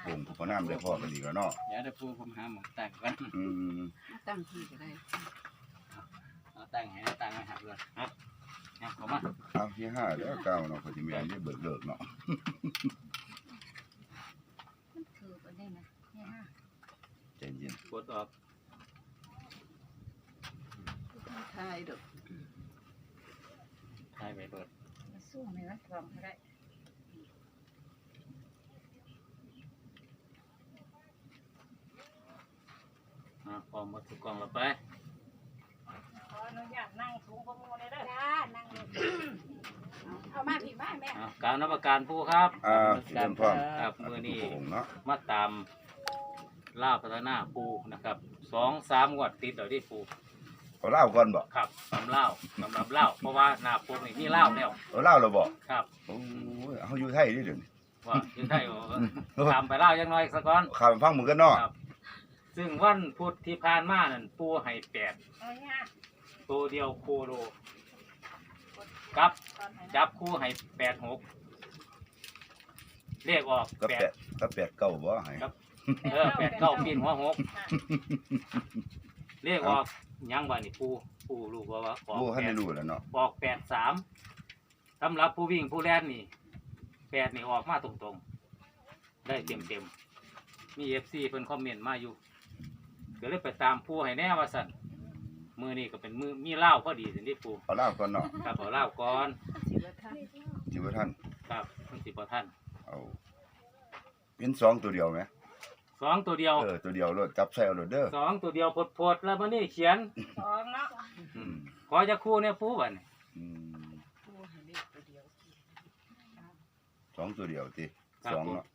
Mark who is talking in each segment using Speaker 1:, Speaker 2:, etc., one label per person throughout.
Speaker 1: ปงพอน้ำได้พอกันดีแล้วเนาะ
Speaker 2: เดี๋ยวปูผมหาหมองตั้งก่อน
Speaker 3: ตั้งที่ก็ได้
Speaker 2: เอาตั้งให้ตั้งให้หักเลยครับเข้ามา
Speaker 1: เอาที่5แล้วเก้าเนาะพอสิแม่นได้เบิกเลิกเนาะ
Speaker 3: มันคือไปได้นะนี่ฮะ
Speaker 1: ใจเย็น
Speaker 2: กดออก
Speaker 3: ทายดอก
Speaker 2: ถ่ายไปเปิด
Speaker 3: มาสู้ในวัดกองก็ได้
Speaker 2: พร้อมมาถูกกล่องเราไป
Speaker 3: ขออนุญาตนั่งสูงกว่าหมู่เลยเด้อจ้านั่งเอามาพี่มาแม่
Speaker 2: การนับประการผู้ครับ
Speaker 1: เริ่มพร้อม
Speaker 2: ครับมือนี้
Speaker 1: องเนาะ
Speaker 2: มาตามล่าพัฒนาปูนะครับ2-3งวดติดเดี๋ยวที่ปู
Speaker 1: เอาเหล้าก่อนบ่
Speaker 2: ครับสำเล่าเพราะว่าหน้าปูนี่มีเล่าแล้ว
Speaker 1: เอาเหล้าแล้วบ่
Speaker 2: ครับ
Speaker 1: โอ้ยเฮาอยู่ไทยนี่เดี๋ยวนี้
Speaker 2: ว่าอยู่ไทยทำไปเล่ายังน้อยสักก่อน
Speaker 1: ข้ามฟังมึงกันเนาะ
Speaker 2: ครับซึ่งวันพุธที่ผ่านมานั่นปูให้
Speaker 3: เอาเนี่ย
Speaker 2: 8ตัวเดียวโคโลกับจับคู่ให้86เลขออก
Speaker 1: ก็แปดก็แปดเก้าบ่ให้
Speaker 2: 89ปีนหัว6เลขออกยังว่านี่ปูรู้ว่าออก
Speaker 1: ผู้ให้ได้รู้แล้วเนาะ
Speaker 2: ออก83สำหรับผู้วิ่งผู้แล่นนี่8นี่ออกมาตรงๆได้เต็มมี FC เพิ่นคอมเมนต์มาอยู่ก็เลยไปตามผู้ให้แน่ว่าซั่นมือนี่ก็เป็นมือมีเหล้าพอดีสินี่ปู
Speaker 1: เอาเหล้าก่อนเนาะ
Speaker 2: ครับเอาเหล้าก่อน
Speaker 3: สิบท่าน
Speaker 1: สิบ่ท่าน
Speaker 2: ครับมันสิบ่ทัน
Speaker 1: เอาเป็น2ตัวเดียวไหม
Speaker 2: 2ตัวเดียว
Speaker 1: ตัวเดียวรถจับใส่เอารถเด้อ
Speaker 2: 2ตัวเดียวโพดๆแล้วมื้อนี้เขียน
Speaker 3: สองเนาะ
Speaker 2: ขอจะคู่เนี่ยปูบัดนี้
Speaker 3: ผู้ให้เลขตัวเดียว
Speaker 1: 2ตัวเดียวติ
Speaker 2: ครับ
Speaker 1: 2เนาะ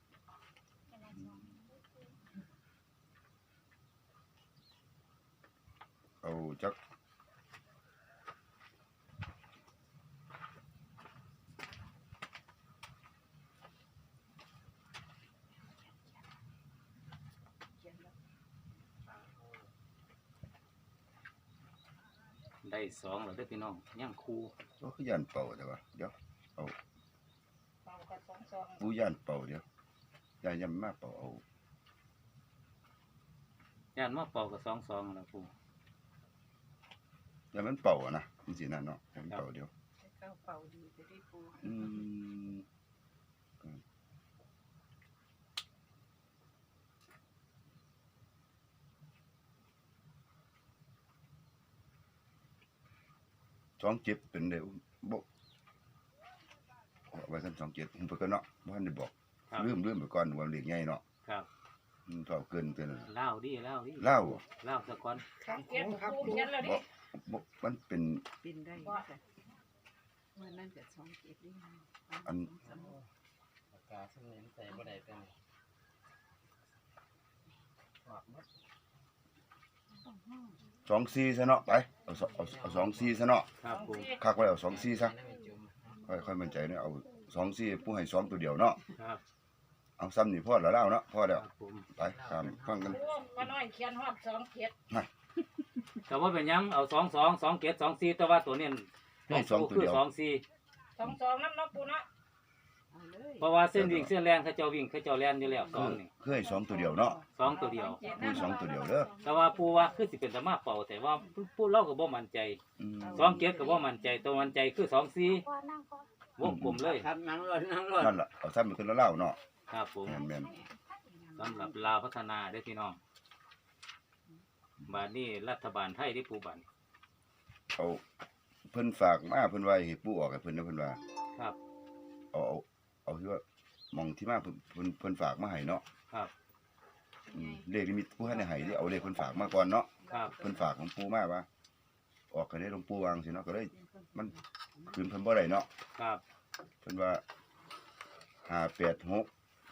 Speaker 1: เอาจัก
Speaker 2: ได้2แล้วเด้อพี่น้องยังคู่
Speaker 1: ก็คือย่านเป่าแต่ว่าเดี๋ยว
Speaker 3: เป่ากับสอง
Speaker 1: ผู้ย่านเป่าเดี๋ยวย่านยำมาเป่าเอา
Speaker 2: ย่านมาเป่ากับ2แล้วปู
Speaker 1: ย่านมันเป่าอะนะจังซี่นั่นเนาะย่านมันเป่าเดี๋ยว
Speaker 3: เข้าเป่าดีจะได้ปู
Speaker 1: อืม27เป็นได้บ่เอาไว้ซั่น27ผมเพิ่นก็เนาะบ่ทันได้บอก
Speaker 2: ครับ
Speaker 1: ลืมไปก่อนว่าเลขใหญ่เนาะ
Speaker 2: ครับ
Speaker 1: เท่าเกิน
Speaker 2: เหล้าดิ
Speaker 1: เหล้า
Speaker 2: เหล้าซะก่อน
Speaker 3: ครับเก็บปูเขียนแล้วดิ
Speaker 1: บ่มันเป็น
Speaker 3: ปินได้ค่ะวันนั้นก็27นี่
Speaker 1: อัน
Speaker 2: ปากกาซึ่งใส่บ่ได้เป็น
Speaker 1: 24ซะเนาะไปเอา24ซะเนาะ
Speaker 2: ครับปู
Speaker 1: คักไว้เอา24ซะค่อยมั่นใจเนาะเอา24ผู้ให้2ตัวเดียวเนาะ
Speaker 2: ครับ
Speaker 1: เอาซ้ำนี่พอแล้วเนาะพอแล้ว
Speaker 2: ครับผม
Speaker 1: ไปตามฟังกัน
Speaker 3: ก็น้อยเขียนฮอด27
Speaker 2: แต่ว่าเป็นหยังเอา2 แต่ว่าตัวนี้คือ24
Speaker 3: 22นำเนาะปูเนาะเอาเลย
Speaker 2: เพราะว่าเส้นวิ่งเส้นแรงเขาเจ้าวิ่งเขาเจ้าแล่นอยู่แล้ว2นี่
Speaker 1: คือให้2ตัวเดียวเนาะ
Speaker 2: 2ตัวเดียว
Speaker 1: ผู้2ตัวเดียวเด้อ
Speaker 2: แต่ว่าปูว่าคือสิเป็นสมาเป่าแต่ว่าปูเราก็บ่มั่นใจ
Speaker 1: อืม
Speaker 2: 2ก็บ่มั่นใจตัวมั่นใจคือ24วงกลมเลย
Speaker 4: ครับนั่งรถ
Speaker 1: นั่นล่ะเอาซ้ำไปขึ้นแล้วเล่าเนาะ
Speaker 2: ครับผม
Speaker 1: แม่น
Speaker 2: สำหรับลาวพัฒนาได้อพี่น้องบาดนี้รัฐบาลไทยได้ปูบัน
Speaker 1: ๆเอาเพิ่นฝากมาเพิ่นว่าให้ปู่ออกให้เพิ่นนะเพิ่นว่า
Speaker 2: ครับ
Speaker 1: เอาที่ว่าหมองที่มาเพิ่นฝากมาให้เนาะ
Speaker 2: ครับ
Speaker 1: เลขที่มีผู้ให้ได้ให้นี่เอาเลขเพิ่นฝากมาก่อนเนาะ
Speaker 2: ครับ
Speaker 1: เพิ่นฝากของปู่มาว่าออกก็ได้หลวงปู่วางสิเนาะก็เลยมันคืนเพิ่นบ่ได้เนาะ
Speaker 2: ครับ
Speaker 1: เพิ่นว่า586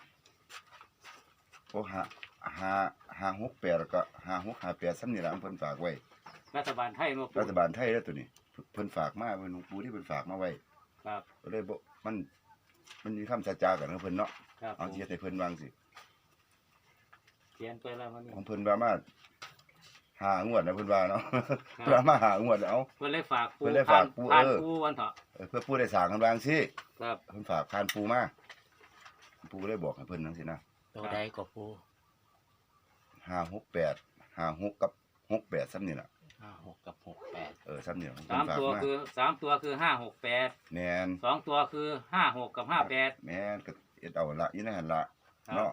Speaker 1: โอ้568แล้วก็5658ซ้ำนี่ล่ะเพิ่นฝากไว้
Speaker 2: รัฐบาลไทยมาปู
Speaker 1: รัฐบาลไทยแล้วตัวนี้เพิ่นฝากมาเพิ่นหลวงปู่ที่เพิ่นฝากมาไว้
Speaker 2: ครับ
Speaker 1: ก็เลยบ่มันมีคำสัจจากันของเพิ่นเนาะ
Speaker 2: ครับ
Speaker 1: เอาสิเฮ็ดให้เพิ่นวางสิ
Speaker 2: เขียนไปแล้วมันนี่
Speaker 1: ของเพิ่นว่ามา5 งวดนะเพิ่นว่าเนาะเพิ่นว่ามา5 งวดแล้ว
Speaker 2: เพิ่นเลยฝากปู
Speaker 1: เพิ่นเลยฝากปู
Speaker 2: ผ่านปูวันเถาะ
Speaker 1: เพื่อปู่ได้สร้างกันวางสิ
Speaker 2: ครับ
Speaker 1: เพิ่นฝากผ่านปู่มาปู่เลยบอกให้เพิ่นจังซี่นะ
Speaker 4: ตัวใดก็ปู
Speaker 1: 568 56กับ68ซ้ำนี่ล่ะ
Speaker 4: 56กับ68
Speaker 1: ซ้ำนี่ล่ะผม
Speaker 2: สาม
Speaker 1: ฝาก
Speaker 2: ตัว
Speaker 1: มา
Speaker 2: คือ568
Speaker 1: แม่น
Speaker 2: 2ตัวคือ56กับ58
Speaker 1: แม่นก็เอ็ดเอาละอยู่ในหั่นละ
Speaker 2: ครับ
Speaker 1: เนาะ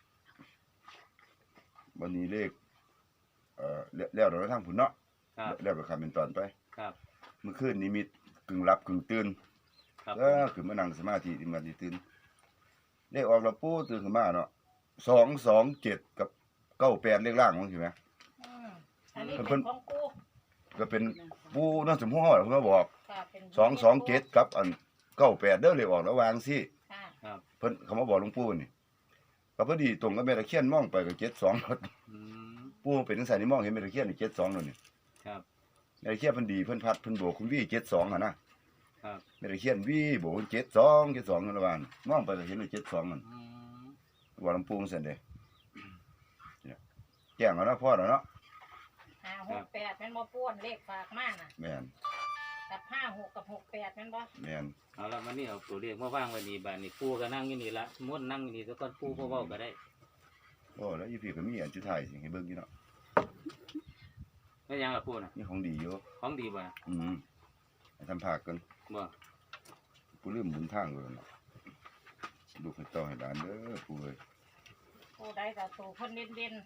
Speaker 1: วันนี้เลขแล้วเราทางผุนเนาะ
Speaker 2: ครับ
Speaker 1: แล้วก็คำเป็นตอนไป
Speaker 2: ครับ
Speaker 1: เมื่อคืนนิมิตกึ่งหลับกึ่งตื่น
Speaker 2: ครับ
Speaker 1: คือมานั่งสมาธิที่มาที่ตื่นเลขออกแล้วปู่ตื่นขึ้นมาเนาะ227กับ98เลขล่างมันใช่ไหม
Speaker 3: อันนี้เป็นของกู
Speaker 1: ก็เป็นปู่นั่นสมพ่อเพิ่นมาบอก
Speaker 3: ค่ะเป็น
Speaker 1: 227กับอัน98เด้อเลขออกแล้ววางสิ
Speaker 3: ค่ะ
Speaker 2: ครับ
Speaker 1: เพิ่นเขามาบอกหลวงปู่นี่ก็พอดีตรงกับแม่ตะเคียนมองไปก็72
Speaker 2: อืม
Speaker 1: ปู่เป็นจังซั่นนี่มองเห็นแม่ตะเคียนนี่72นั่นนี่
Speaker 2: ครับ
Speaker 1: แม่ตะเคียนเพิ่นดีเพิ่นพัดเพิ่นโบกคุณวี่72หั่นนะครับ แม่ตะเคียนวี่โบก72นั่นละว่ามองไปก็เห็นเลย72นั่น
Speaker 2: อืม
Speaker 1: ว่าหลวงปู่จังซั่นเด้เนี่ยแจ้งแล้วเนาะพ่อแล้วเนาะ
Speaker 3: 568เป็นบ่ป้วนเลขฝากมาน่ะ
Speaker 1: แม่น
Speaker 3: กับ56กับ68เป็นบ่
Speaker 1: แม่น
Speaker 2: เอาละมันนี่เอาตัวเลขมาวางไว้นี่บ้านนี่ปูก็นั่งอยู่นี่ละม้วนนั่งอยู่นี่แล้วก็ปูบ่เว้าก็ได้
Speaker 1: โอ้แล้วอยู่พี่ก็มีอันสุดท้ายสิให้เบิ่งอยู่เนาะ
Speaker 2: แล้วยังล่ะปูน่ะ
Speaker 1: นี่ของดีอยู่
Speaker 2: ของดีบ่น่ะ
Speaker 1: ให้ทำภาคกัน
Speaker 2: บ่
Speaker 1: กูลืมบุญทางเลยเนาะลูกให้ต่อให้หลานเด้อปู่เอ้ย
Speaker 3: ผู้ใดก็ตัวเพิ่นเด่นๆ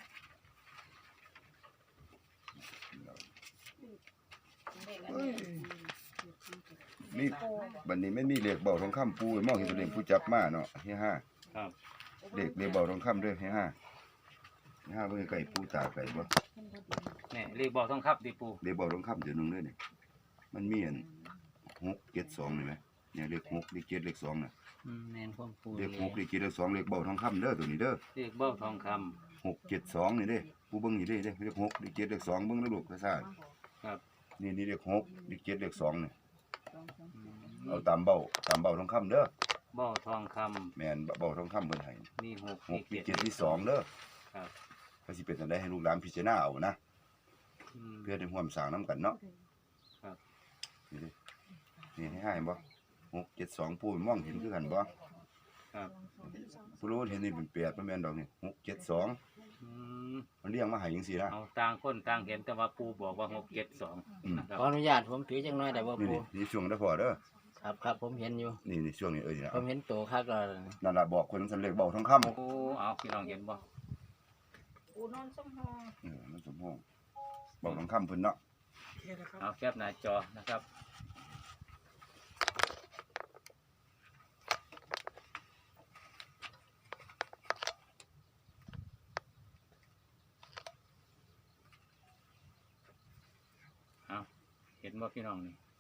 Speaker 3: เลขอันนี้
Speaker 1: นี่บัดนี้ไม่มีเลขเบาทองคำปู่มองเห็นตัวเลขผู้จับมาเนาะเฮียห้า
Speaker 2: ครับ
Speaker 1: เลขเบาทองคำเด้อเฮียห้าเฮียห้าเบิ่งไก่ปู่ตาไก่บ่
Speaker 2: นี่เลขบอกต้องครับดิปู
Speaker 1: เลขเบาทองคำเดี๋ยวนึงเด้อนี่มันมีอัน672นี่ไหมเนี่ยเลข6เลข7เลข2น่ะ
Speaker 4: แม่นความปู
Speaker 1: เลข6เลข7เลข2เลขเบาทองคำเด้อตัวนี้เด้อ
Speaker 2: เลขเบ้าทองคำ
Speaker 1: 672นี่เด้ปู่เบิ่งนี่เด้เลข6เลข7เลข2เบิ่งแล้วลูกซ่า
Speaker 2: ครับ
Speaker 1: ๆนี่เลข6เลข7เลข2นี่เอาตามเบาทองคำเด้อ
Speaker 2: เบ้าทองคำ
Speaker 1: แม่นเบาทองคำเพิ่นให้
Speaker 2: นี่6
Speaker 1: 6
Speaker 2: นี่
Speaker 1: มี
Speaker 2: 7
Speaker 1: 7ที่2เด้อ
Speaker 2: ครับ
Speaker 1: ก็สิเป็นจังได๋ให้ลูกหลานพิจารณาเอานะ
Speaker 2: อืม
Speaker 1: เพื่อได้ร่วมสร้างนํกันเนาะ
Speaker 2: ครับ
Speaker 1: นี่ดินี่ให้บ่672ปู่มองเห็นคือกันบ่
Speaker 2: ครับ
Speaker 1: ผู้รู้เห็นนี่เป็น8บ่แม่นดอกนี่672
Speaker 2: อืม
Speaker 1: มันเรียงมาให้จังซี่นะ
Speaker 2: เอาต่างคนต่างเห็นแต่ว่าปูบอกว่า672นะครับ
Speaker 4: ขออนุญาตผมถือจังน้อยได้บ่
Speaker 1: นี่
Speaker 4: ปู
Speaker 1: นี่ช่วงเด้อพ่อเด้อ
Speaker 4: ครับผมเห็นอยู่
Speaker 1: นี่ช่วงนี้นี่นะ
Speaker 4: ผมเห็นโตคักแล้ว
Speaker 1: นั่นล่ะบอกคนสำเร็จเบาทองคำ
Speaker 2: โอ้เอาพี่น้องเห็นบ่
Speaker 3: ปูนอนสมหอง
Speaker 1: มันสมพงษ์เบาทองคำเพิ่นเนาะ
Speaker 2: เอาแคปหน้าจอนะครับเอาเห็นบ่พี่น้องนี่